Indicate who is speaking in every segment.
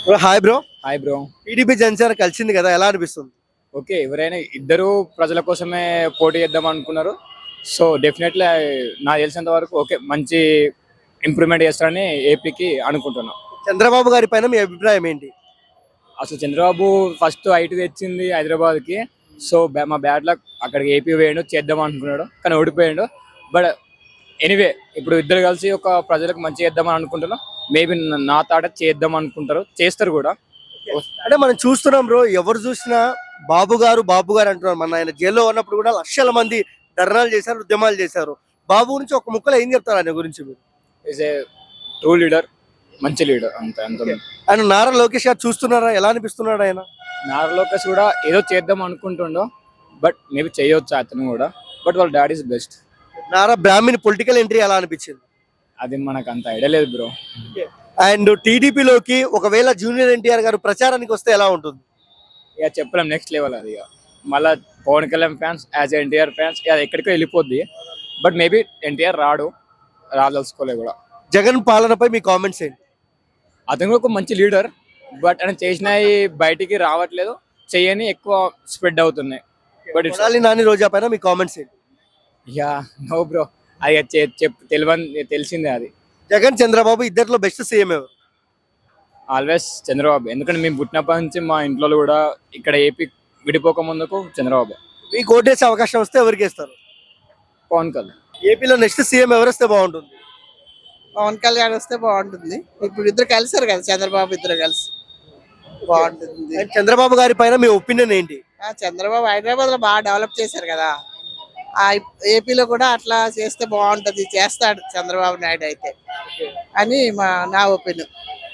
Speaker 1: Bro hi bro.
Speaker 2: Hi bro.
Speaker 1: TDP Janasena కలిసింది కదా, ఎలా అనిపిస్తుంది?
Speaker 2: ఓకే, ఎవరైనా ఇద్దరు ప్రజల కోసమే పోటీ చేద్దాం అనుకున్నారు. సో డెఫినెట్లీ నాకు తెలిసినంత వరకు ఓకే, మంచి ఇంప్రూవ్మెంట్ చేస్తారని ఏపీకి అనుకుంటున్నాం.
Speaker 1: చంద్రబాబు గారి పైన మీ అభిప్రాయం ఏంటి?
Speaker 2: అసలు చంద్రబాబు ఫస్ట్ ఐటీ తెచ్చింది హైదరాబాద్కి. సో మా బ్యాడ్ లక్, అక్కడికి ఏపీ వేయండు, చేద్దాం అనుకున్నాడు కానీ ఓడిపోయాడు. బట్ ఎనీవే, ఇప్పుడు ఇద్దరు కలిసి ఒక ప్రజలకు మంచి చేద్దామని అనుకుంటున్నాం. మేబీ నా తాట చేద్దాం అనుకుంటారు, చేస్తారు కూడా.
Speaker 1: అంటే మనం చూస్తున్నాం బ్రో, ఎవరు చూసినా బాబు గారు బాబు గారు అంటున్నారు. మన ఆయన జైల్లో ఉన్నప్పుడు కూడా లక్షల మంది ధర్నాలు చేశారు, ఉద్యమాలు చేశారు. బాబు గురించి ఒక ముక్కలో ఏం చెప్తారు ఆయన గురించి మీరు?
Speaker 2: ఈజ్ ఏ ట్రూ లీడర్, మంచి లీడర్, అంత అంత.
Speaker 1: ఆయన నారా లోకేష్ గారు చూస్తున్నారా, ఎలా అనిపిస్తున్నాడు ఆయన?
Speaker 2: నారా లోకేష్ కూడా ఏదో చేద్దాం అనుకుంటుండో, బట్ మేబీ చేయొచ్చు అతను కూడా. బట్ వాళ్ళ daddy is best.
Speaker 1: Nara Brahmani political entry ఎలా అనిపించింది?
Speaker 2: అది మనకు అంత ఐడియా లేదు బ్రో.
Speaker 1: అండ్ టీడీపీలోకి ఒకవేళ జూనియర్ ఎన్టీఆర్ గారు ప్రచారానికి వస్తే ఎలా ఉంటుంది?
Speaker 2: ఇక చెప్పలేం, నెక్స్ట్ లెవెల్ అది. ఇక మళ్ళీ Pawan Kalyan fans, as NTR fans, అది ఎక్కడికో వెళ్ళిపోద్ది. బట్ మేబీ ఎన్టీఆర్ రాదలుచుకోలే కూడా.
Speaker 1: జగన్ పాలనపై మీ కామెంట్స్ ఏంటి?
Speaker 2: అతను కూడా ఒక మంచి లీడర్, బట్ ఆయన చేసినవి బయటికి రావట్లేదు, చేయని ఎక్కువ స్ప్రెడ్ అవుతున్నాయి. బట్ ఇట్స్
Speaker 1: కొడాలి నాని రోజా పైన మీ కామెంట్స్ ఏంటి?
Speaker 2: యా నో బ్రో, అది తెలిసిందే అది.
Speaker 1: జగన్ చంద్రబాబు ఇద్దరిలో బెస్ట్ సీఎం ఎవరు?
Speaker 2: ఆల్వేస్ చంద్రబాబు. ఎందుకంటే మేము పుట్టినప్పటి నుంచి మా ఇంట్లో కూడా ఇక్కడ ఏపీ విడిపోక ముందుకు చంద్రబాబు.
Speaker 1: మీకు ఓటేసే అవకాశం వస్తే ఎవరికి వేస్తారు?
Speaker 2: పవన్ కళ్యాణ్.
Speaker 1: ఏపీలో నెక్స్ట్ సీఎం ఎవరు వస్తే బాగుంటుంది?
Speaker 3: పవన్ కళ్యాణ్ వస్తే బాగుంటుంది. ఇప్పుడు ఇద్దరు కలిసారు కదా, చంద్రబాబు ఇద్దరు కలిసి బాగుంటుంది.
Speaker 1: అండ్ చంద్రబాబు గారి పైన మీ ఒపీనియన్ ఏంటి?
Speaker 3: చంద్రబాబు హైదరాబాద్ లో బాగా డెవలప్ చేశారు కదా, ఆ ఏపీలో కూడా అట్లా చేస్తే బాగుంటది, చేస్తాడు చంద్రబాబు నాయుడు అయితే అని నా ఒపీనియన్.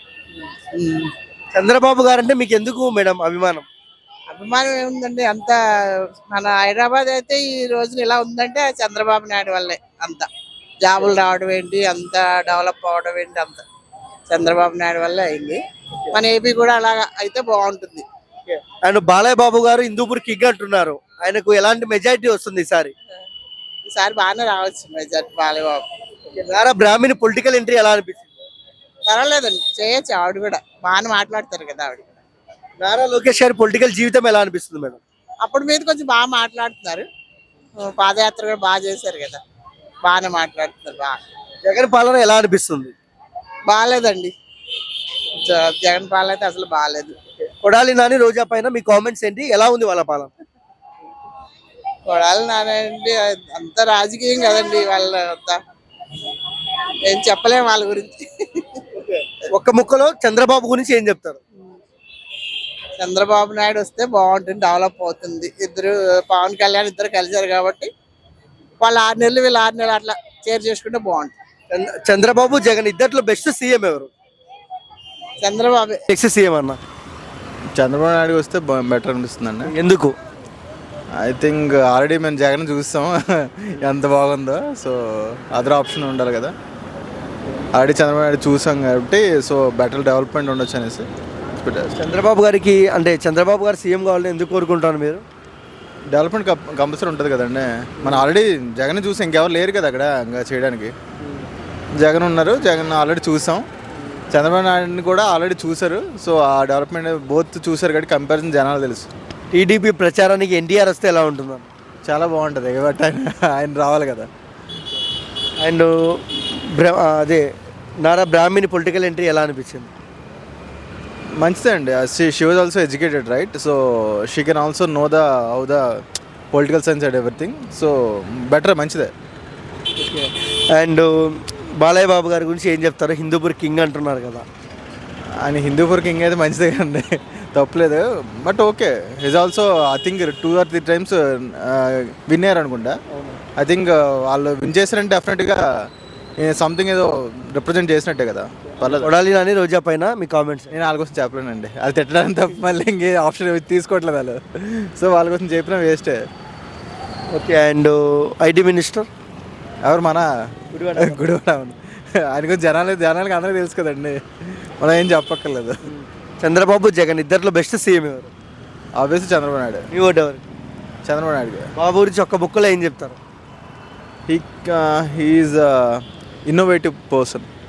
Speaker 1: చంద్రబాబు గారు అంటే మీకు ఎందుకు మేడం అభిమానం?
Speaker 3: అభిమానం ఏముందండి, అంత మన హైదరాబాద్ అయితే ఈ రోజున ఇలా ఉందంటే ఆ చంద్రబాబు నాయుడు వల్లే. అంత జాబులు రావడం ఏంటి, అంత డెవలప్ అవడం ఏంటి, అంత చంద్రబాబు నాయుడు వల్లే అయింది. మన ఏపీ కూడా అలాగా అయితే బాగుంటుంది.
Speaker 1: అండ్ బాలయ్య బాబు గారు హిందూపూర్ కిగ్ అంటున్నారు, ఆయనకు ఎలాంటి మెజారిటీ వస్తుంది ఈసారి?
Speaker 3: ఈసారి బాగానే రావచ్చు majority Balayya Babu.
Speaker 1: Nara Brahmani political entry ఎలా అనిపించింది?
Speaker 3: పర్వాలేదండి, చేయొచ్చు. ఆవిడ కూడా బాగానే మాట్లాడతారు కదా ఆవిడ.
Speaker 1: నారా లోకేష్ గారి పొలిటికల్ జీవితం ఎలా అనిపిస్తుంది మేడం?
Speaker 3: అప్పుడు మీద కొంచెం బాగా మాట్లాడుతున్నారు, పాదయాత్ర కూడా బాగా చేశారు కదా, బాగానే మాట్లాడుతున్నారు. బాగా
Speaker 1: జగన్ పాలన ఎలా అనిపిస్తుంది?
Speaker 3: బాగాలేదండి, జగన్ పాలన అయితే అసలు బాగాలేదు.
Speaker 1: కొడాలి నాని రోజా పైన మీ కామెంట్స్ ఏంటి, ఎలా ఉంది వాళ్ళ పాలన?
Speaker 3: కొడాలి నానండి, అంత రాజకీయం కదండి వాళ్ళ అంతా, ఏం చెప్పలేము వాళ్ళ గురించి.
Speaker 1: ఒక్క ముక్కలో చంద్రబాబు గురించి ఏం చెప్తారు?
Speaker 3: చంద్రబాబు నాయుడు వస్తే బాగుంటుంది, డెవలప్ అవుతుంది. ఇద్దరు పవన్ కళ్యాణ్ ఇద్దరు కలిసారు కాబట్టి వాళ్ళు 6 నెలలు వీళ్ళు 6 నెలలు అట్లా షేర్ చేసుకుంటే బాగుంటుంది.
Speaker 1: చంద్రబాబు జగన్ ఇద్దరిలో బెస్ట్ సీఎం ఎవరు?
Speaker 3: చంద్రబాబు.
Speaker 1: నెక్స్ట్ సీఎం అన్న
Speaker 4: చంద్రబాబు నాయుడు వస్తే బెటర్ అనిపిస్తుంది అండి.
Speaker 1: ఎందుకు?
Speaker 4: ఐ థింక్ ఆల్రెడీ మేము జగన్ చూస్తాం ఎంత బాగుందో. సో అదర్ ఆప్షన్ ఉండాలి కదా, ఆల్రెడీ చంద్రబాబు నాయుడు చూసాం కాబట్టి సో బెటర్ డెవలప్మెంట్ ఉండొచ్చు అనేసి.
Speaker 1: చంద్రబాబు గారికి అంటే చంద్రబాబు గారు సీఎం కావాలని ఎందుకు కోరుకుంటాను మీరు?
Speaker 4: డెవలప్మెంట్ కంపల్సరీ ఉంటుంది కదండి. మనం ఆల్రెడీ జగన్ చూసి ఇంకెవరు లేరు కదా అక్కడ ఇంకా చేయడానికి. జగన్ ఉన్నారు, జగన్ ఆల్రెడీ చూసాం. చంద్రబాబు నాయుడిని కూడా ఆల్రెడీ చూశారు. సో ఆ డెవలప్మెంట్ బోత్ చూశారు కాబట్టి కంపారిజన్ జనాలు తెలుసు.
Speaker 1: టీడీపీ ప్రచారానికి ఎన్టీఆర్ వస్తే ఎలా ఉంటుంది?
Speaker 4: చాలా బాగుంటుంది, బట్ ఆయన రావాలి కదా.
Speaker 1: అండ్ అదే నారా బ్రాహ్మణి పొలిటికల్ ఎంట్రీ ఎలా అనిపించింది?
Speaker 4: మంచిదే అండి. She was also educated right, so she can also know how the political science and everything. So better, మంచిదే.
Speaker 1: అండ్ బాలయ్య బాబు గారి గురించి ఏం చెప్తారు? హిందూపూర్ కింగ్ అంటున్నారు కదా.
Speaker 4: ఆయన హిందూపూర్ కింగ్ అయితే మంచిదే కదండి, తప్పలేదు. But okay, is also I think 2 or 3 times win అయ్యారు అనుకుంటా. ఐ థింక్ వాళ్ళు విన్ చేశారంటే డెఫినెట్గా సంథింగ్ ఏదో రిప్రజెంట్ చేసినట్టే కదా. పర్లేదు.
Speaker 1: కొడాలి నాని రోజా పైన మీ కామెంట్స్?
Speaker 4: నేను వాళ్ళ కోసం చెప్పలేనండి, అది తిట్టడానికి తప్ప మళ్ళీ ఇంకే ఆప్షన్ తీసుకోవట్లేదు వాళ్ళు. సో వాళ్ళ కోసం చెప్పినా వేస్టే.
Speaker 1: ఓకే. అండ్ ఐటీ మినిస్టర్
Speaker 4: ఎవరు? మన గుడివాడ. ఆయన గురించి జనాలకి అందరికీ తెలుసు కదండి, మనం ఏం చెప్పక్కర్లేదు.
Speaker 1: చంద్రబాబు జగన్ ఇద్దరిలో బెస్ట్ సీఎం ఎవరు?
Speaker 4: ఆబ్వియస్లీ చంద్రబాబు నాయుడు.
Speaker 1: మీ ఓటు ఎవరు?
Speaker 4: చంద్రబాబు నాయుడు.
Speaker 1: బాబు గురించి ఒక్క బుక్కలో ఏం చెప్తారు?
Speaker 4: He's innovative person.